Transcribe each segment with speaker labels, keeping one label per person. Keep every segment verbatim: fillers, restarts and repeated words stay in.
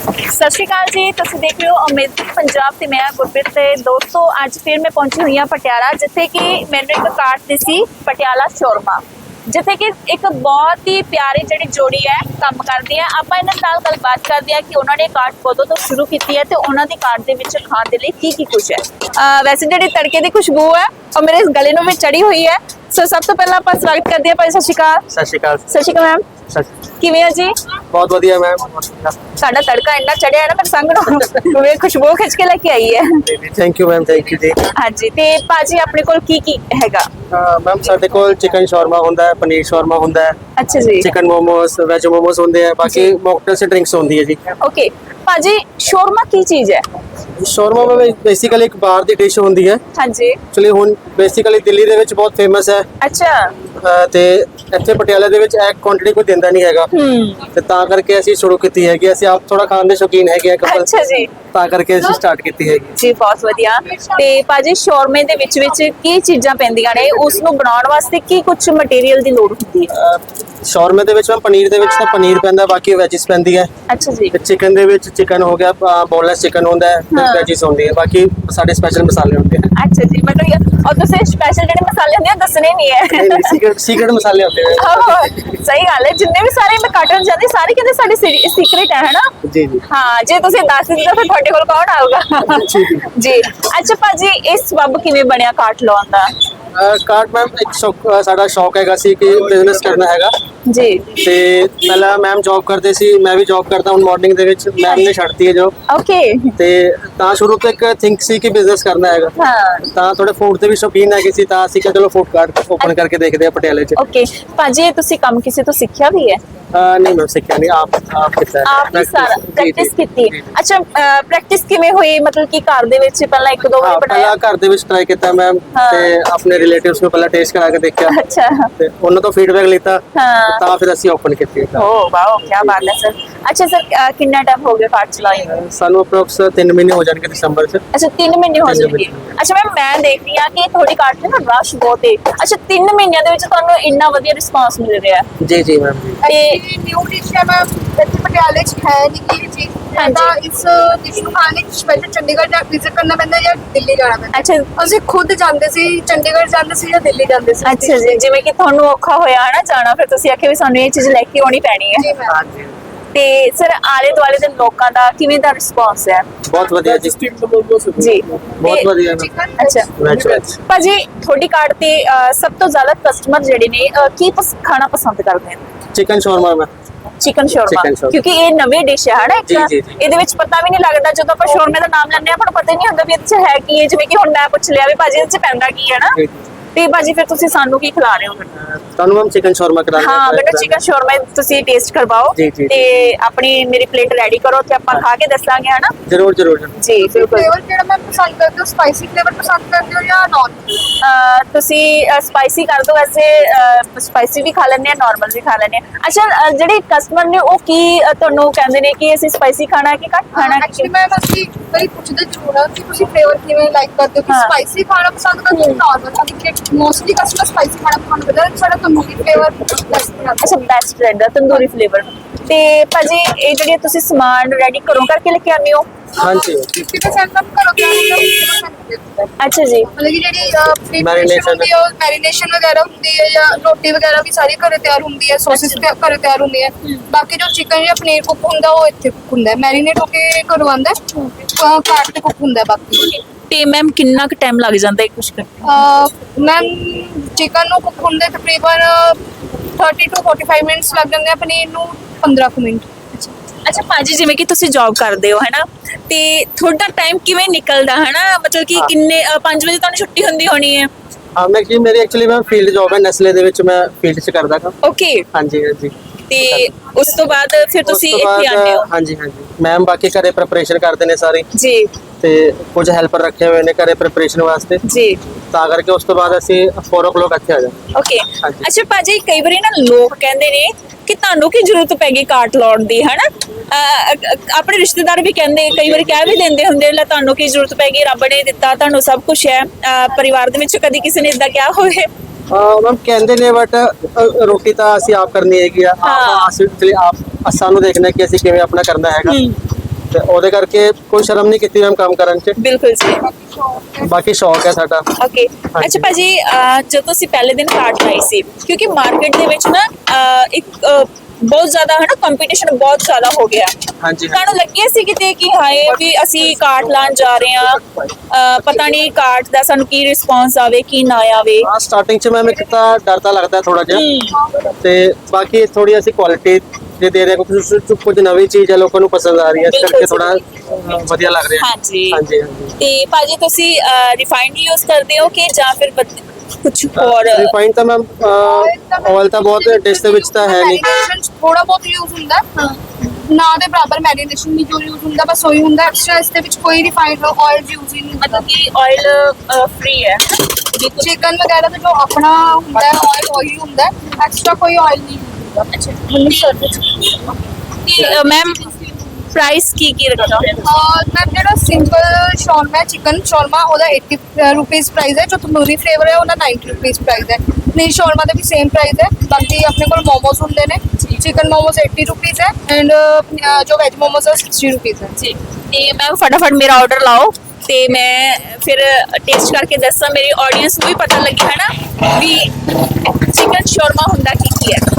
Speaker 1: ਸਤਿ ਸ਼੍ਰੀ ਅਕਾਲ ਜੀ, ਤੁਸੀਂ ਦੇਖ ਰਹੇ ਹੋ ਅਮੇਜ਼ਿੰਗ ਪੰਜਾਬ ਤੇ ਮੈਂ ਗੁਰਪ੍ਰੀਤ। ਤੇ ਦੋਸਤੋ ਅੱਜ ਫਿਰ ਮੈਂ ਪਹੁੰਚੀ ਹੋਈ ਹਾਂ ਪਟਿਆਲਾ, ਜਿੱਥੇ ਕਿ ਮੈਨੂੰ ਇੱਕ ਕਾਰਟ ਦਿਸੀ ਪਟਿਆਲਾ ਸ਼ੋਰਮਾ, ਜਿੱਥੇ ਕਿ ਇੱਕ ਬਹੁਤ ਹੀ ਪਿਆਰੀ ਜਿਹੜੀ ਜੋੜੀ ਹੈ ਕੰਮ ਕਰਦੀ ਹੈ। ਆਪਾਂ ਇਹਨਾਂ ਨਾਲ ਗੱਲਬਾਤ ਕਰਦੇ ਹਾਂ ਕਿ ਉਹਨਾਂ ਨੇ ਕਾਰਟ ਕਦੋਂ ਤੋਂ ਸ਼ੁਰੂ ਕੀਤੀ ਹੈ ਤੇ ਉਹਨਾਂ ਦੀ ਕਾਰਟ ਦੇ ਵਿੱਚ ਖਾਣ ਦੇ ਲਈ ਕੀ ਕੀ ਕੁਝ ਹੈ। ਅਹ ਵੈਸੇ ਜਿਹੜੀ ਤੜਕੇ ਦੀ ਖੁਸ਼ਬੂ ਹੈ ਉਹ ਮੇਰੇ ਇਸ ਗਲੇ ਨੂੰ ਵੀ ਚੜੀ ਹੋਈ ਹੈ। ਸੋ ਸਭ ਤੋਂ ਪਹਿਲਾਂ ਆਪਾਂ ਸਵਾਗਤ ਕਰਦੇ ਹਾਂ ਭਾਈ। ਸਤਿ ਸ਼੍ਰੀ ਅਕਾਲ।
Speaker 2: ਸਤਿ ਸ਼੍ਰੀ ਅਕਾਲ।
Speaker 1: ਸਤਿ ਸ਼੍ਰੀ ਅਕਾਲ ਮੈਮ, ਕਿਵੇਂ ਹੋ ਜੀ?
Speaker 2: ਬਹੁਤ ਵਧੀਆ ਮੈਮ।
Speaker 1: ਸਾਡਾ ਤੜਕਾ ਇੰਨਾ ਚੜਿਆ ਹੈ ਨਾ ਮੇਰੇ ਸੰਗ ਨੂੰ, ਮੇਰੇ ਖੁਸ਼ਬੂ ਖਿੱਚ ਕੇ ਲੈ ਕੇ ਆਈ ਹੈ।
Speaker 2: Thank you ma'am, thank you ਜੀ।
Speaker 1: ਹਾਂਜੀ, ਤੇ ਭਾਜੀ ਆਪਣੇ ਕੋਲ ਕੀ ਕੀ ਹੈਗਾ?
Speaker 2: ਮੈਮ ਸਾਡੇ ਕੋਲ ਚਿਕਨ ਸ਼ਾਰਮਾ ਹੁੰਦਾ ਹੈ, ਪਨੀਰ ਸ਼ਾਰਮਾ ਹੁੰਦਾ ਹੈ,
Speaker 1: ਅੱਛਾ ਜੀ,
Speaker 2: ਚਿਕਨ ਮੋਮੋਸ, ਵੈਜ ਮੋਮੋਸ ਹੁੰਦੇ ਆ, ਬਾਕੀ ਮੌਕਟੇਲ ਸੇ ਡਰਿੰਕਸ ਹੁੰਦੀ ਹੈ ਜੀ।
Speaker 1: ਓਕੇ ਭਾਜੀ, ਸ਼ੋਰਮਾ ਕੀ ਚੀਜ਼ ਹੈ?
Speaker 2: ਸ਼ਾਰਮਾ में बेसिकली एक बाहर ਦੀ ਡਿਸ਼ ਹੁੰਦੀ ਹੈ।
Speaker 1: ਹਾਂਜੀ,
Speaker 2: ਐਕਚੁਅਲੀ ਹੁਣ ਬੇਸਿਕਲੀ ਦਿੱਲੀ ਦੇ ਵਿੱਚ ਬਹੁਤ ਫੇਮਸ ਹੈ,
Speaker 1: ਅੱਛਾ।
Speaker 2: ਅਹ ਤੇ ਇੱਥੇ ਪਟਿਆਲਾ ਦੇ ਵਿੱਚ ਇਹ ਕੁਆਂਟੀਟੀ ਕੋਈ ਦਿੰਦਾ ਨਹੀਂ ਹੈਗਾ,
Speaker 1: ਹੂੰ,
Speaker 2: ਤੇ ਤਾਂ ਕਰਕੇ ਅਸੀਂ ਸ਼ੁਰੂ ਕੀਤੀ ਹੈਗੀ। ਅਸੀਂ ਆਪ ਥੋੜਾ ਖਾਣ ਦੇ ਸ਼ੌਕੀਨ ਹੈਗੇ ਆ ਕਪਲ,
Speaker 1: ਅੱਛਾ ਜੀ
Speaker 2: ਤਾਂ ਕਰਕੇ ਅਸੀਂ ਸਟਾਰਟ ਕੀਤੀ ਹੈਗੀ
Speaker 1: ਜੀ, ਬਹੁਤ ਵਧੀਆ। ਤੇ ਭਾਜੀ ਸ਼ੋਰਮੇ ਦੇ ਵਿੱਚ ਵਿੱਚ ਕੀ ਚੀਜ਼ਾਂ ਪੈਂਦੀਆਂ ਨੇ? ਉਸ ਨੂੰ ਬਣਾਉਣ ਵਾਸਤੇ ਕੀ ਕੁਝ ਮਟੀਰੀਅਲ ਦੀ ਲੋੜ ਹੁੰਦੀ ਹੈ?
Speaker 2: ਸ਼ਾਰਮੇ ਦੇ ਵਿੱਚ ਮੈਂ ਪਨੀਰ ਦੇ ਵਿੱਚ ਤਾਂ ਪਨੀਰ ਪੈਂਦਾ, ਬਾਕੀ ਵੈਜਿਸ ਪੈਂਦੀ ਹੈ।
Speaker 1: ਅੱਛਾ ਜੀ,
Speaker 2: ਚਿਕਨ ਦੇ ਵਿੱਚ ਚਿਕਨ ਹੋ ਗਿਆ, ਬੋਨਲੈਸ ਚਿਕਨ ਹੁੰਦਾ ਹੈ,
Speaker 1: ਹਾਂ।
Speaker 2: ਵੈਜਿਸ ਹੁੰਦੀ ਹੈ, ਬਾਕੀ ਸਾਡੇ ਸਪੈਸ਼ਲ ਮਸਾਲੇ ਹੁੰਦੇ ਹਨ।
Speaker 1: ਅੱਛਾ ਜੀ। ਮੈਨੂੰ ਇਹ- ਔਰ ਤੁਸੀਂ ਸਪੈਸ਼ਲ ਜਿਹੜੇ ਮਸਾਲੇ ਹੁੰਦੇ ਆ ਦੱਸਣੇ ਨਹੀਂ ਹੈ।
Speaker 2: ਨਹੀਂ ਨਹੀਂ, ਸੀਕ੍ਰੇਟ ਸੀਕ੍ਰੇਟ ਮਸਾਲੇ ਹੁੰਦੇ ਨੇ।
Speaker 1: ਆਹੋ, ਸਹੀ ਗੱਲ ਹੈ। ਜਿੰਨੇ ਵੀ ਸਾਰੇ ਮੈਂ ਕਾਟਣ ਜਾਂਦੀ ਸਾਰੇ ਕਹਿੰਦੇ ਸਾਡੇ ਸੀਕ੍ਰੇਟ ਹੈ, ਹਨਾ?
Speaker 2: ਜੀ ਜੀ
Speaker 1: ਹਾਂ, ਜੇ ਤੁਸੀਂ ਦੱਸ ਦਿੰਦੇ ਤਾਂ ਫਿਰ ਤੁਹਾਡੇ ਕੋਲ ਕੌਣ ਆਊਗਾ?
Speaker 2: ਜੀ ਜੀ।
Speaker 1: ਜੀ, ਅੱਛਾ ਭਾਜੀ, ਇਹ ਸਬੱਬ ਕਿਵੇਂ ਬਣਿਆ ਕਾਟ ਲਾਉਣ ਦਾ?
Speaker 2: ਕਾਰਟ ਮੈਮ ਇੱਕ ਸ਼ੌਕ, ਸਾਡਾ ਸ਼ੌਕ ਹੈਗਾ ਸੀ ਕਿ ਬਿਜ਼ਨਸ ਕਰਨਾ ਹੈਗਾ।
Speaker 1: ਜੀ,
Speaker 2: ਤੇ ਪਹਿਲਾਂ ਮੈਮ ਜੌਬ ਕਰਦੇ ਸੀ, ਮੈਂ ਵੀ ਜੌਬ ਕਰਦਾ ਹੁਣ ਮਾਰਨਿੰਗ ਦੇ ਵਿੱਚ, ਮੈਮ ਨੇ ਛੱਡਤੀ ਹੈ ਜੌਬ।
Speaker 1: ਓਕੇ,
Speaker 2: ਤੇ ਤਾਂ ਸ਼ੁਰੂ ਤੋਂ ਇੱਕ ਥਿੰਕ ਸੀ ਕਿ ਬਿਜ਼ਨਸ ਕਰਨਾ ਹੈਗਾ,
Speaker 1: ਹਾਂ,
Speaker 2: ਤਾਂ ਥੋੜੇ ਫੂਡ ਦੇ ਵੀ ਸ਼ੌਕੀਨ ਹੈਗੇ ਸੀ, ਤਾਂ ਅਸੀਂ ਕਿਹਾ ਚਲੋ ਫੂਡ ਕਾਰਟ ਓਪਨ ਕਰਕੇ ਦੇਖਦੇ ਆ ਪਟਿਆਲੇ 'ਚ।
Speaker 1: ਓਕੇ ਭਾਜੀ, ਇਹ ਤੁਸੀਂ ਕੰਮ ਕਿਸੇ ਤੋਂ ਸਿੱਖਿਆ ਵੀ ਹੈ?
Speaker 2: ਅਹ ਨਹੀਂ ਮੈਮ, ਸਿੱਖਿਆ ਨਹੀਂ, ਆਪ ਆਪ ਕੀਤਾ ਹੈ।
Speaker 1: ਆਪ ਹੀ ਸਾਰਾ
Speaker 2: ਜੀ, ਜੀ,
Speaker 1: ਪ੍ਰੈਕਟਿਸ
Speaker 2: ਜੀ,
Speaker 1: ਕੀਤੀ?
Speaker 2: ਜੀ।
Speaker 1: ਅੱਛਾ, ਪ੍ਰੈਕਟਿਸ ਕਿਵੇਂ ਹੋਈ? ਮਤਲਬ ਕਿ ਘਰ ਦੇ ਵਿੱਚ ਪਹਿਲਾਂ ਇੱਕ ਦੋ ਵਾਰੀ
Speaker 2: ਹਾਂ,
Speaker 1: ਬਣਾਇਆ?
Speaker 2: ਪਹਿਲਾਂ ਘਰ ਦੇ ਵਿੱਚ ਟਰਾਈ ਕੀਤਾ ਮੈਮ,
Speaker 1: ਹਾਂ।
Speaker 2: ਤੇ ਆਪਣੇ ਰਿਲੇਟਿਵਸ ਨੂੰ ਪਹਿਲਾਂ ਟੇਸਟ ਕਰਾ ਕੇ ਦੇਖਿਆ,
Speaker 1: ਅੱਛਾ,
Speaker 2: ਤੇ ਉਹਨਾਂ ਤੋਂ ਫੀਡਬੈਕ ਲਿੱਤਾ,
Speaker 1: ਹਾਂ।
Speaker 2: ਤਾਂ ਫਿਰ ਅਸੀਂ ਓਪਨ ਕੀਤੀ।
Speaker 1: ਓ ਵਾਓ, ਕੀ ਬਾਤ ਹੈ ਸਰ। ਅੱਛਾ ਸਰ, ਕਿੰਨਾ ਟਾਈਮ ਹੋ ਗਿਆ ਕਾਰਟ ਚਲਾਈ ਨੂੰ?
Speaker 2: ਸਾਨੂੰ ਅਪਰੋਕਸ ਤਿੰਨ ਮਹੀਨੇ ਹੋ ਜਾਣਗੇ ਦਸੰਬਰ 'ਚ।
Speaker 1: ਅੱਛਾ, ਤਿੰਨ ਮਹੀਨੇ ਹੋ
Speaker 2: ਤਿੰਨ
Speaker 1: ਜਾਣਗੇ।
Speaker 2: ਮਹੀਨੇ।
Speaker 1: ਅੱਛਾ ਮੈਮ, ਮੈਂ ਦੇਖਦੀ ਹਾਂ ਕਿ ਤੁਹਾਡੀ ਕਾਰਟ 'ਚ ਨਾ ਰਸ਼ ਬਹੁਤ ਹੈ। ਅੱਛਾ, ਤਿੰਨ ਮਹੀਨਿਆਂ ਦੇ ਵਿੱਚ ਤੁਹਾਨੂੰ ਇੰਨਾ ਵਧੀਆ ਰਿਸਪਾਂਸ ਮਿਲ ਰਿਹਾ ਹੈ?
Speaker 2: ਜੀ ਜੀ ਮੈਮ ਜੀ।
Speaker 1: ਤੇ
Speaker 3: ਨਿਊ ਡਿਸ਼ ਹੈ ਮੈਮ, ਇੱਥੇ ਪਟਿਆਲੇ 'ਚ ਹੈ ਨਹੀਂ ਕਿ ਇਹ ਚੀਜ਼।
Speaker 1: ਹਾਂਜੀ।
Speaker 3: ਤਾਂ ਇਸ ਡਿਸ਼ ਨੂੰ ਖਾਣ ਲਈ ਸਪੈਸ਼ਲ ਚੰਡੀਗੜ੍ਹ ਜਾ ਵਿਜ਼ਿਟ ਕਰਨਾ ਪੈਂਦਾ ਜਾਂ ਦਿੱਲੀ ਜਾਣਾ ਪੈਂਦਾ?
Speaker 1: ਅੱਛਾ,
Speaker 3: ਅਸੀਂ ਖੁਦ ਜਾਂਦੇ ਸੀ, ਚੰਡੀਗੜ੍ਹ ਜਾਂਦੇ ਸੀ ਜਾਂ ਦਿੱਲੀ ਜਾਂਦੇ ਸੀ।
Speaker 1: ਅੱਛਾ ਜੀ, ਜਿਵੇਂ ਕਿ ਤੁਹਾਨੂੰ ਔਖਾ ਹੋਇਆ ਹੈ ਨਾ ਜਾਣਾ, ਫਿਰ ਤੁਸੀਂ ਆਖਿਆ ਵੀ ਸਾਨੂੰ ਇਹ ਚੀਜ਼ ਲੈ ਕੇ ਆਉਣੀ ਪੈਣੀ ਹੈ।
Speaker 3: ਜੀ ਮੈਮ।
Speaker 2: ਹਾਂਜੀ,
Speaker 1: ਤੇ ਸਰ, ਆਲੇ ਦੁਆਲੇ ਦੇ ਲੋਕਾਂ ਦਾ ਕਿਵੇਂ ਦਾ ਰਿਸਪਾਂਸ ਹੈ?
Speaker 2: ਬਹੁਤ ਵਧੀਆ ਜੀ,
Speaker 1: ਜੀ,
Speaker 2: ਬਹੁਤ
Speaker 1: ਤੇ-
Speaker 2: ਵਧੀਆ ਮੈਮ।
Speaker 3: ਚਿਕਨ
Speaker 1: ਅੱਛਾ
Speaker 2: ਵੈਜ ਵੈਜ
Speaker 1: ਭਾਜੀ, ਤੁਹਾਡੀ ਕਾਰਟ ਤੇ ਅਹ, ਸਭ ਤੋਂ ਜ਼ਿਆਦਾ ਕਸਟਮਰ ਜਿਹੜੇ ਨੇ ਅਹ, ਕੀ ਪਸ- ਖਾਣਾ ਪਸੰਦ ਕਰਦੇ ਨੇ?
Speaker 2: Chicken shawarma ma'am.
Speaker 1: Chicken shawarma,
Speaker 2: Chicken shawarma।
Speaker 1: ਕਿਉਂਕਿ ਇਹ ਨਵੀਂ ਡਿਸ਼ ਹੈ ਹਨਾ?
Speaker 2: ਜੀ,
Speaker 1: ਇੱਕ
Speaker 2: ਜੀ, ਜੀ।
Speaker 1: ਇਹਦੇ ਵਿੱਚ ਪਤਾ ਵੀ ਨਹੀਂ ਲੱਗਦਾ, ਜਦੋਂ ਆਪਾਂ ਸ਼ੋਰਮੇ ਦਾ ਨਾਮ ਲੈਂਦੇ ਆ ਆਪਾਂ ਨੂੰ ਪਤਾ ਹੀ ਨਹੀਂ ਹੁੰਦਾ ਵੀ ਇਹਦੇ 'ਚ ਹੈ ਕੀ ਹੈ। ਜਿਵੇਂ ਕਿ ਹੁਣ ਮੈਂ ਪੁੱਛ ਲਿਆ ਵੀ ਭਾਜੀ ਇਹਦੇ 'ਚ ਪੈਂਦਾ ਕੀ ਹੈ ਨਾ,
Speaker 2: ਜੀ।
Speaker 1: ਤੇ ਭਾਜੀ ਫਿਰ ਤੁਸੀਂ ਸਾਨੂੰ ਕੀ ਖਿਲਾ ਰਹੇ ਹੋ ਫਿਰ?
Speaker 2: ਤੁਹਾਨੂੰ ਮੈਮ ਚਿਕਨ ਸ਼ਾਰਮਾ ਕਰਾਣਾ
Speaker 1: ਹਾਂ, ਮੈਨੂੰ ਚਿਕਨ ਸ਼ੋਰਮਾ ਤੁਸੀਂ ਟੇਸਟ ਕਰਵਾਓ,
Speaker 2: ਜੀ, ਜੀ,
Speaker 1: ਤੇ ਆਪਣੀ ਮੇਰੀ ਪਲੇਟ ਰੈਡੀ ਕਰੋ ਤੇ ਆਪਾਂ ਖਾ ਕੇ ਦੱਸਾਂਗੇ ਹਨਾ?
Speaker 2: ਜਰੂਰ ਜਰੂਰ।
Speaker 1: ਜੀ ਬਿਲਕੁਲ।
Speaker 3: ਫਲੇਵਰ ਕਿਹੜਾ ਮੈਮ ਪਸੰਦ ਕਰਦੇ ਹੋ? ਸਪਾਈਸੀ ਫਲੇਵਰ ਪਸੰਦ ਕਰਦੇ ਹੋ ਜਾਂ ਨਾਨ?
Speaker 1: ਅਹ, ਤੁਸੀਂ ਸਪਾਈਸੀ ਕਰ ਦਿਓ। ਵੈਸੇ ਸਪਾਈਸੀ ਵੀ ਖਾ ਲੈਂਦੇ ਆ, ਨਾਰਮਲ ਵੀ ਖਾ ਲੈਂਦੇ ਆ। ਅੱਛਾ, ਅਹ, ਜਿਹੜੇ ਕਸਟਮਰ ਨੇ ਉਹ ਕੀ ਅਹ, ਤੁਹਾਨੂੰ ਕਹਿੰਦੇ ਨੇ ਕਿ ਅਸੀਂ ਸਪਾਈਸੀ ਖਾਣਾ ਹੈ ਕਿ ਘੱਟ ਖਾਣਾ ਹੈ?
Speaker 3: ਐਕਚੁਅਲੀ ਮੈਮ ਅਸੀਂ ਕਈ ਪੁੱਛਦੇ ਜ਼ਰੂਰ ਹਾਂ ਕਿ ਤੁਸੀਂ ਫਲੇਵਰ ਕਿਵੇਂ ਲਾਈਕ ਕਰਦੇ ਹੋ, ਕਿ
Speaker 1: ਹਾਂ।
Speaker 3: ਸਪਾਈਸੀ ਖਾਣਾ ਪਸੰਦ ਕਰਦੇ ਹੋ ਨਾਰਮਲ? ਅਸੀਂ ਮੋਸਟਲੀ ਕਸਟਮਰ ਸਪਾਈਸੀ ਖਾਣਾ ਪਸੰਦ ਕਰਦੇ ਹਨ, ਸਾਡਾ ਤੰਦੂਰੀ ਫਲੇਵਰ
Speaker 1: ਅੱਛਾ, ਬੈਸਟ ਰਹਿੰਦਾ ਤੰਦੂਰੀ ਫਲੇਵਰ। ਤੇ ਭਾਜੀ, ਇਹ ਜਿਹੜੇ ਤੁਸੀਂ ਸਮਾਨ ਰੈਡੀ ਘਰੋਂ ਕਰਕੇ ਲੈ ਕੇ ਆਉਂਦੇ ਹੋ?
Speaker 2: ਹਾਂਜੀ।
Speaker 3: ਫਿਫਟੀ ਪਰਸੈਂਟ ਮੈਮ ਘਰੋਂ ਤਿਆਰ ਹੁੰਦਾ, ਫਿਫਟੀ ਪਰਸੈਂਟ
Speaker 1: ਅੱਛਾ ਜੀ,
Speaker 3: ਮਤਲਬ ਕਿ ਜਿਹੜੀ
Speaker 2: Marination
Speaker 3: ਮੈਰੀਨੇਸ਼ਨ ਹੁੰਦੀ ਹੈ, ਉਹ ਮੈਰੀਨੇਸ਼ਨ ਵਗੈਰਾ ਹੁੰਦੀ ਹੈ, ਜਾਂ ਰੋਟੀ ਵਗੈਰਾ ਵੀ ਸਾਰੀ ਘਰੇ ਤਿਆਰ ਹੁੰਦੀ ਹੈ, ਸੌਸਿਸ ਘਰੇ ਤਿਆਰ ਹੁੰਦੀ ਹੈ। ਬਾਕੀ ਜੋ ਚਿਕਨ ਜਾਂ ਪਨੀਰ ਕੁੱਕ ਹੁੰਦਾ ਉਹ ਇੱਥੇ ਕੁੱਕ ਹੁੰਦਾ ਹੈ, ਮੈਰੀਨੇਟ ਹੋ ਕੇ ਘਰੋਂ ਆਉਂਦਾ, ਕਾਟ ਤੇ ਕੁੱਕ ਹੁੰਦਾ ਹੈ ਬਾਕੀ।
Speaker 1: ਤੇ ਮੈਮ ਕਿੰਨਾ ਕੁ ਟਾਈਮ ਲੱਗ ਜਾਂਦਾ ਹੈ ਕੁਝ ਕਰ?
Speaker 3: ਮੈਮ ਚਿਕਨ ਨੂੰ ਕੁੱਕ ਹੁੰਦੇ ਤਕਰੀਬਨ thirty to forty five minutes ਲੱਗ ਜਾਂਦੇ ਆ, ਪਨੀਰ ਨੂੰ ਪੰਦਰਾਂ ਕੁ ਮਿੰਟ।
Speaker 1: ਅੱਛਾ ਭਾਜੀ, ਜਿਵੇਂ ਕਿ ਤੁਸੀਂ ਜੌਬ ਕਰਦੇ ਹੋ ਹੈਨਾ, ਤੇ ਤੁਹਾਡਾ ਟਾਈਮ ਕਿਵੇਂ ਨਿਕਲਦਾ ਹੈਨਾ? ਮਤਲਬ ਕਿ
Speaker 2: ਹਾਂ।
Speaker 1: ਕਿੰਨੇ ਪੰਜ ਵਜੇ ਤੁਹਾਨੂੰ ਛੁੱਟੀ ਹੁੰਦੀ ਹੋਣੀ ਹੈ?
Speaker 2: ਹਾਂ ਮੈਂ ਜੀ, ਮੇਰੀ ਐਕਚੁਅਲੀ ਮੈਂ ਫੀਲਡ ਜੌਬ ਹੈ ਨੈਸਲੇ ਦੇ ਵਿੱਚ, ਮੈਂ ਫੀਲਡ 'ਚ ਕਰਦਾ ਕੰਮ।
Speaker 1: ਓਕੇ,
Speaker 2: ਹਾਂਜੀ ਹਾਂਜੀ।
Speaker 1: ਤੇ ਉਸ ਤੋਂ ਬਾਅਦ ਫਿਰ ਤੁਸੀਂ
Speaker 2: ਉਸ ਤੋਂ
Speaker 1: ਇੱਥੇ ਆਉਂਦੇ ਹੋ?
Speaker 2: ਬਾਅਦ ਹਾਂਜੀ ਹਾਂਜੀ, ਮੈਮ ਬਾਕੀ ਘਰੇ ਪ੍ਰੈਪਰੇਸ਼ਨ ਕਰਦੇ ਨੇ ਸਾਰੀ,
Speaker 1: ਜੀ
Speaker 2: ਤੇ ਕੁਝ ਹੈਲਪਰ ਰੱਖੇ ਹੋਏ ਨੇ ਘਰੇ ਪ੍ਰੈਪਰੇਸ਼ਨ ਵਾਸਤੇ,
Speaker 1: ਜੀ,
Speaker 2: ਤਾਂ ਕਰਕੇ ਉਸ ਤੋਂ ਬਾਅਦ ਅਸੀਂ ਫੋਰ ਓ ਕਲੋਕ ਇੱਥੇ ਆ ਜਾਂਦੇ।
Speaker 1: ਓਕੇ।
Speaker 2: ਹਾਂਜੀ।
Speaker 1: ਅੱਛਾ ਭਾਜੀ, ਕਈ ਵਾਰੀ ਨਾ ਲੋਕ ਕਹਿੰਦੇ ਨੇ ਕਿ ਤੁਹਾਨੂੰ ਕੀ ਜ਼ਰੂਰਤ ਪੈ ਗਈ ਕਾਰਟ ਲਾਉਣ ਦੀ ਹੈਨਾ? ਆਪਣੇ ਰਿਸ਼ਤੇਦਾਰ ਵੀ ਕਹਿੰਦੇ, ਕਈ ਵਾਰੀ ਕਹਿ ਵੀ ਦਿੰਦੇ ਹੁੰਦੇ ਲੈ ਤੁਹਾਨੂੰ ਕੀ ਜ਼ਰੂਰਤ ਪੈ ਗਈ, ਰੱਬ ਨੇ ਦਿੱਤਾ ਤੁਹਾਨੂੰ ਸਭ ਕੁਝ ਹੈ। ਅਹ, ਪਰਿਵਾਰ ਦੇ ਵਿੱਚ ਕਦੀ ਕਿਸੇ ਨੇ ਇਦਾਂ ਕਿਹਾ ਹੋਵੇ?
Speaker 2: ਮੈਮ ਕਹਿੰਦੇ ਨੇ, ਬਟ ਰੋਟੀ ਤਾਂ ਅਸੀਂ ਆਪ ਕਰਨੀ ਹੈਗੀ ਆ।
Speaker 1: ਹਾਂ।
Speaker 2: ਅਸੀਂ ਐਕਚੁਅਲੀ ਆਪ ਸਾਨੂੰ ਦੇਖਣਾ ਕਿ ਅਸੀਂ ਕਿਵੇਂ ਆਪਣਾ ਕਰਨਾ ਹੈਗਾ। ਤੇ ਉਹਦੇ ਕਰਕੇ ਕੋਈ ਸ਼ਰਮ ਨਹੀਂ ਕੀਤੀ ਮੈਮ ਕੰਮ ਕਰਨ 'ਚ।
Speaker 1: ਬਿਲਕੁਲ ਜੀ।
Speaker 2: ਬਾਕੀ ਸ਼ੌਕ ਹੈ ਸਾਡਾ।
Speaker 1: ਓਕੇ ਅੱਛਾ ਭਾਜੀ, ਅਹ, ਜਦੋਂ ਤੁਸੀਂ ਪਹਿਲੇ ਦਿਨ ਕਾਰਟ ਲਾਈ ਸੀ, ਕਿਉਂਕਿ ਮਾਰਕੀਟ ਦੇ ਵਿੱਚ ਨਾ ਅਹ, ਇੱਕ ਅਹ, ਬਹੁਤ ਜ਼ਿਆਦਾ ਹੈ ਨਾ ਕੰਪੀਟੀਸ਼ਨ ਬਹੁਤ ਜ਼ਿਆਦਾ ਹੋ ਗਿਆ।
Speaker 2: ਹਾਂਜੀ
Speaker 1: ਤੁਹਾਨੂੰ ਲੱਗਿਆ ਸੀ ਕਿਤੇ ਕਿ ਹਾਏ ਵੀ ਅਸੀਂ ਕਾਰਟ ਲਾਉਣ ਜਾ ਰਹੇ ਹਾਂ, ਅਹ, ਪਤਾ ਨਹੀਂ ਕਾਰਟ ਦਾ ਸਾਨੂੰ ਕੀ ਰਿਸਪੌਂਸ ਆਵੇ ਕੀ ਨਾ ਆਵੇ?
Speaker 2: ਹਾਂ, ਸਟਾਰਟਿੰਗ 'ਚ ਮੈਮ ਇੱਕ ਤਾਂ ਡਰ ਤਾਂ ਲੱਗਦਾ ਥੋੜਾ ਜਿਹਾ, ਤੇ ਬਾਕੀ ਥੋੜੀ ਅਸੀਂ ਕੁਆਲਿਟੀ ਜੇ ਦੇ ਰਹੇ ਹਾਂ, ਕੁਝ ਕੁਝ ਨਵੀਂ ਚੀਜ਼ ਹੈ, ਲੋਕਾਂ ਨੂੰ ਪਸੰਦ ਆ ਰਹੀ ਹੈ, ਇਸ ਕਰਕੇ ਥੋੜਾ ਵਧੀਆ ਲੱਗ ਰਿਹਾ।
Speaker 1: ਹਾਂਜੀ
Speaker 2: ਹਾਂਜੀ ਹਾਂਜੀ।
Speaker 1: ਤੇ ਭਾਜੀ ਤੁਸੀਂ ਰਿਫਾਈਨਡ ਯੂਜ਼ ਕਰਦੇ ਹੋ ਕਿ ਜਾਂ ਫਿਰ ਕੁਝ ਹੋਰ?
Speaker 2: ਰਿਫਾਈਨਡ ਤਾਂ ਮੈਮ ਆਇਲ ਤਾਂ ਬਹੁਤ ਡਿਸ਼ ਦੇ ਵਿੱਚ ਤਾਂ ਹੈ ਨਹੀਂ।
Speaker 3: ਥੋੜਾ ਬਹੁਤ ਯੂਜ਼ ਹੁੰਦਾ ਹੈ। ਨਾ ਦੇ ਬਰਾਬਰ ਮੈਰੀਨੇਸ਼ਨ ਵੀ ਜੋ ਯੂਜ਼ ਹੁੰਦਾ ਬਸ ਉਹੀ ਹੁੰਦਾ, ਐਕਸਟਰਾ ਇਸ ਦੇ ਵਿੱਚ ਕੋਈ ਰਿਫਾਈਨਡ ਆਇਲ ਯੂਜ਼ ਹੀ ਨਹੀਂ,
Speaker 1: ਮਤਲਬ ਕਿ ਆਇਲ ਫ੍ਰੀ ਹੈ।
Speaker 3: ਚਿਕਨ ਵਗੈਰਾ ਦਾ ਜੋ ਆਪਣਾ ਹੁੰਦਾ ਹੈ ਆਇਲ ਉਹੀ ਹੁੰਦਾ, ਐਕਸਟਰਾ ਕੋਈ ਆਇਲ ਨਹੀਂ ਹੁੰਦਾ। ਅੱਛਾ ਮੈਨੂੰ ਸਰਵਿਸ
Speaker 1: ਮੈਮ ਪ੍ਰਾਈਸ ਕੀ ਕੀ ਰੱਖਿਆ ਹੋਇਆ?
Speaker 3: ਮੈਮ ਜਿਹੜਾ ਸਿੰਪਲ ਸ਼ੌਰਮਾ ਹੈ, ਚਿਕਨ ਸ਼ੌਰਮਾ, ਉਹਦਾ eighty ਰੁਪੀਸ ਪ੍ਰਾਈਸ ਹੈ। ਜੋ ਤੰਦੂਰੀ ਫਲੇਵਰ ਹੈ ਉਹਦਾ ninety ਰੁਪੀਸ ਪ੍ਰਾਈਸ ਹੈ। ਨਹੀਂ ਸ਼ੌਰਮਾ ਦਾ ਵੀ ਸੇਮ ਪ੍ਰਾਈਸ ਹੈ। ਬਾਕੀ ਆਪਣੇ ਕੋਲ ਮੋਮੋਸ ਹੁੰਦੇ ਨੇ, ਚਿਕਨ ਮੋਮੋਸ eighty ਰੁਪੀਸ ਹੈ ਐਂਡ ਜੋ ਵੈਜ ਮੋਮੋਸ ਹੈ sixty ਰੁਪੀਸ ਹੈ
Speaker 1: ਜੀ। ਤੇ ਮੈਮ ਫਟਾਫਟ ਮੇਰਾ ਆਰਡਰ ਲਾਓ ਤੇ ਮੈਂ ਫਿਰ ਟੇਸਟ ਕਰਕੇ ਦੱਸਾਂ, ਮੇਰੀ ਆਡੀਅנס ਨੂੰ ਵੀ ਪਤਾ ਲੱਗੇ ਹੈ ਨਾ ਵੀ ਚਿਕਨ ਸ਼ੌਰਮਾ ਹੁੰਦਾ ਕੀ ਕੀ ਹੈ।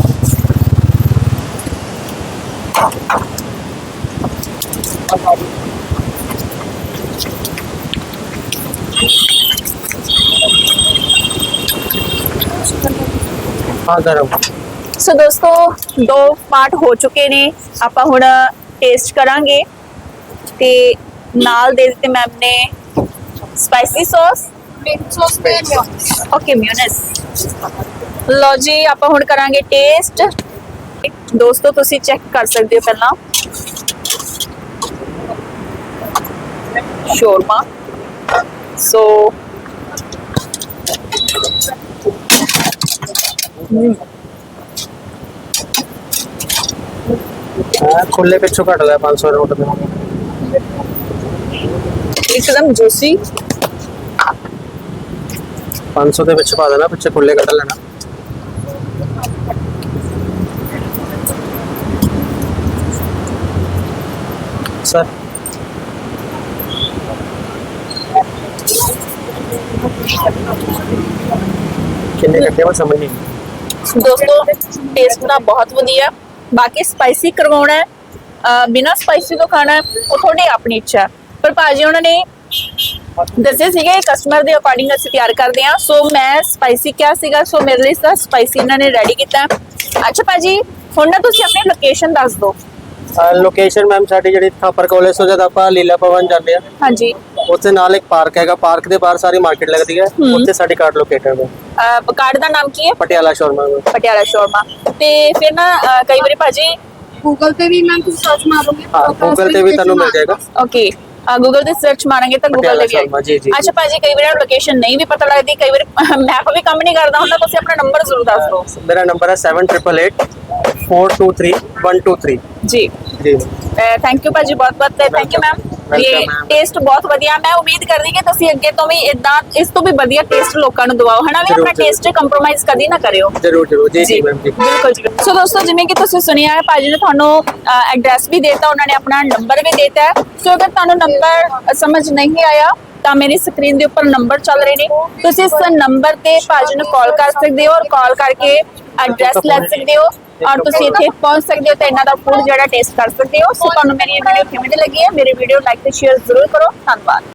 Speaker 2: ਹਾਂ ਗਰਮ।
Speaker 1: ਸੋ ਦੋਸਤੋ ਦੋ ਪਾਰਟ ਹੋ ਚੁੱਕੇ ਨੇ, ਆਪਾਂ ਹੁਣ ਟੇਸਟ ਕਰਾਂਗੇ ਤੇ ਨਾਲ ਦੇ ਦਿੱਤੇ ਮੈਮ ਨੇ ਸਪਾਈਸੀ ਸੌਸ,
Speaker 3: ਮਿੰਟ ਸੌਸ ਤੇ ਮਿਓਨੀਜ਼।
Speaker 1: Okay mayonnaise. ਲਓ ਜੀ ਆਪਾਂ ਹੁਣ ਕਰਾਂਗੇ ਟੇਸਟ। ਦੋਸਤੋ ਤੁਸੀਂ ਚੈੱਕ ਕਰ ਸਕਦੇ ਹੋ ਪਹਿਲਾਂ ਸ਼ੌਰਮਾ। ਸੋ
Speaker 2: ਖੁੱਲੇ ਪਿੱਛੋਂ ਘੱਟ ਗਿਆ ਪੰਜ ਸੌ ਨੋਟ ਦੇ,
Speaker 1: ਇੱਕਦਮ ਜੂਸੀ।
Speaker 2: ਪੰਜ ਸੌ ਦੇ ਵਿੱਚ ਪਾ ਦੇਣਾ, ਪਿੱਛੇ ਖੁੱਲੇ ਕੱਢ ਲੈਣਾ। ਸਰ ਕਿੰਨੇ ਕੱਟੇ ਮੈਂ ਸਮਝ ਨਹੀਂ।
Speaker 1: ਦੋਸਤੋ ਟੇਸਟ ਦਾ ਬਹੁਤ ਵਧੀਆ। ਬਾਕੀ ਸਪਾਈਸੀ ਕਰਵਾਉਣਾ ਹੈ, ਅਹ ਬਿਨਾਂ ਸਪਾਈਸੀ ਤੋਂ ਖਾਣਾ ਹੈ, ਉਹ ਤੁਹਾਡੀ ਆਪਣੀ ਇੱਛਾ ਹੈ। ਪਰ ਭਾਜੀ ਉਹਨਾਂ ਨੇ ਦੱਸਿਆ ਸੀਗਾ ਕਸਟਮਰ ਦੇ ਅਕੋਰਡਿੰਗ ਅਸੀਂ ਤਿਆਰ ਕਰਦੇ ਹਾਂ, ਸੋ ਮੈਂ ਸਪਾਈਸੀ ਕਿਹਾ ਸੀਗਾ, ਸੋ ਮੇਰੇ ਲਈ ਤਾਂ ਸਪਾਈਸੀ ਇਹਨਾਂ ਨੇ ਰੈਡੀ ਕੀਤਾ। ਅੱਛਾ ਭਾਜੀ ਹੁਣ ਨਾ ਤੁਸੀਂ ਆਪਣੀ ਲੋਕੇਸ਼ਨ ਦੱਸ ਦਿਓ।
Speaker 2: ਲੋਕੇਸ਼ਨ ਮੈਮ ਸਾਡੀ ਜਿਹੜੀ ਥਾਪਰ ਕਾਲਜ ਤੋਂ ਜਦ ਆਪਾਂ ਲੀਲਾ ਭਵਨ ਜਾਂਦੇ ਆ,
Speaker 1: ਹਾਂਜੀ
Speaker 2: ਉੱਥੇ ਨਾਲ ਇੱਕ ਪਾਰਕ ਹੈਗਾ, ਪਾਰਕ ਦੇ ਬਾਹਰ ਸਾਰੀ ਮਾਰਕੀਟ ਲੱਗਦੀ ਹੈ, ਉੱਥੇ ਸਾਡੀ ਕਾਰਟ ਲੋਕੇਟਡ ਹੈ।
Speaker 1: ਅਹ ਕਾਰਡ ਦਾ ਨਾਮ ਕੀ ਹੈ?
Speaker 2: ਪਟਿਆਲਾ ਸ਼ੌਰਮਾ।
Speaker 1: ਪਟਿਆਲਾ ਸ਼ੌਰਮਾ। ਤੇ ਫਿਰ ਨਾ ਅਹ ਕਈ ਵਾਰੀ ਭਾਜੀ
Speaker 3: ਗੂਗਲ ਤੇ ਵੀ ਮੈਮ ਤੁਸੀਂ ਸਰਚ ਮਾਰੋਗੇ
Speaker 2: ਹਾਂ, ਗੂਗਲ ਤੇ ਵੀ ਤੁਹਾਨੂੰ ਮਿਲ ਜਾਏਗਾ।
Speaker 1: ਓਕੇ ਗੂਗਲ ਤੇ ਸਰਚ ਮਾਰਾਂਗੇ ਤਾਂ ਗੂਗਲ ਤੇ ਵੀ
Speaker 2: ਸ਼ਰਮਾ, ਜੀ, ਜੀ।
Speaker 1: ਅੱਛਾ ਭਾਜੀ ਕਈ ਵਾਰ ਲੋਕੇਸ਼ਨ ਨਹੀਂ ਵੀ ਪਤਾ ਲੱਗਦੀ, ਕਈ ਵਾਰ ਮੈਪ ਵੀ ਕੰਮ ਨਹੀਂ ਕਰਦਾ ਹੁੰਦਾ, ਤੁਸੀਂ ਆਪਣਾ ਨੰਬਰ ਜ਼ਰੂਰ ਦੱਸ ਦਿਓ।
Speaker 2: ਮੇਰਾ ਨੰਬਰ ਹੈ seven eight eight eight four two three one two three।
Speaker 1: ਜੀ
Speaker 2: ਜੀ
Speaker 1: ਥੈਂਕ ਯੂ ਭਾਜੀ, ਬਹੁਤ ਬਹੁਤ ਥੈਂਕ ਯੂ ਮੈਮ। ਇਹ
Speaker 2: Welcome, ma'am।
Speaker 1: ਟੇਸਟ ਬਹੁਤ ਵਧੀਆ। ਮੈਂ ਉਮੀਦ ਕਰਦੀ ਕਿ ਤੁਸੀਂ ਅੱਗੇ ਤੋਂ ਵੀ ਇਦਾਂ ਇਸ ਤੋਂ ਵੀ ਵਧੀਆ ਟੇਸਟ ਲੋਕਾਂ ਨੂੰ ਦਿਵਾਓ, ਹਨਾ ਵੀ
Speaker 2: ਜ਼ਰੂਰ,
Speaker 1: ਆਪਣਾ ਟੇਸਟ ਕੰਪਰੋਮਾਈਜ਼ ਕਦੀ ਨਾ ਕਰਿਓ।
Speaker 2: ਜਰੂਰ ਜਰੂਰ ਜੀ ਜੀ ਮੈਮ ਜੀ।
Speaker 1: ਬਿਲਕੁਲ ਜੀ। ਸੋ ਦੋਸਤੋ ਜਿਵੇਂ ਕਿ ਤੁਸੀਂ ਸੁਣਿਆ ਹੈ ਭਾਜੀ ਨੇ ਤੁਹਾਨੂੰ ਐਡਰੈਸ ਵੀ ਦੇਤਾ, ਉਹਨਾਂ ਨੇ ਆਪਣਾ ਨੰਬਰ ਵੀ ਦੇਤਾ ਹੈ। ਸੋ ਅਗਰ ਤੁਹਾਨੂੰ ਨੰਬਰ ਸਮਝ ਨਹੀਂ ਆਇਆ ਤਾਂ ਮੇਰੀ ਸਕਰੀਨ ਦੇ ਉੱਪਰ ਨੰਬਰ ਚੱਲ ਰਹੇ ਨੇ, ਤੁਸੀਂ ਇਸ ਨੰਬਰ ਤੇ ਭਾਜੀ ਨੂੰ ਕਾਲ ਕਰ ਸਕਦੇ ਹੋ ਔਰ ਕਾਲ ਕਰਕੇ ਐਡਰੈਸ ਲੈ ਸਕਦੇ ਹੋ ਔਰ ਤੁਸੀਂ ਇੱਥੇ ਪਹੁੰਚ ਸਕਦੇ ਹੋ ਤੇ ਇਹਨਾਂ ਦਾ ਫੂਡ ਜਿਹੜਾ ਟੇਸਟ ਕਰ ਸਕਦੇ ਹੋ। ਸੋ ਤੁਹਾਨੂੰ ਮੇਰੀ ਇਹ ਵੀਡੀਓ ਕਿਵੇਂ ਲੱਗੀ ਹੈ? ਮੇਰੀ ਵੀਡੀਓ ਲਾਈਕ ਤੇ ਸ਼ੇਅਰ ਜ਼ਰੂਰ ਕਰੋ। ਧੰਨਵਾਦ।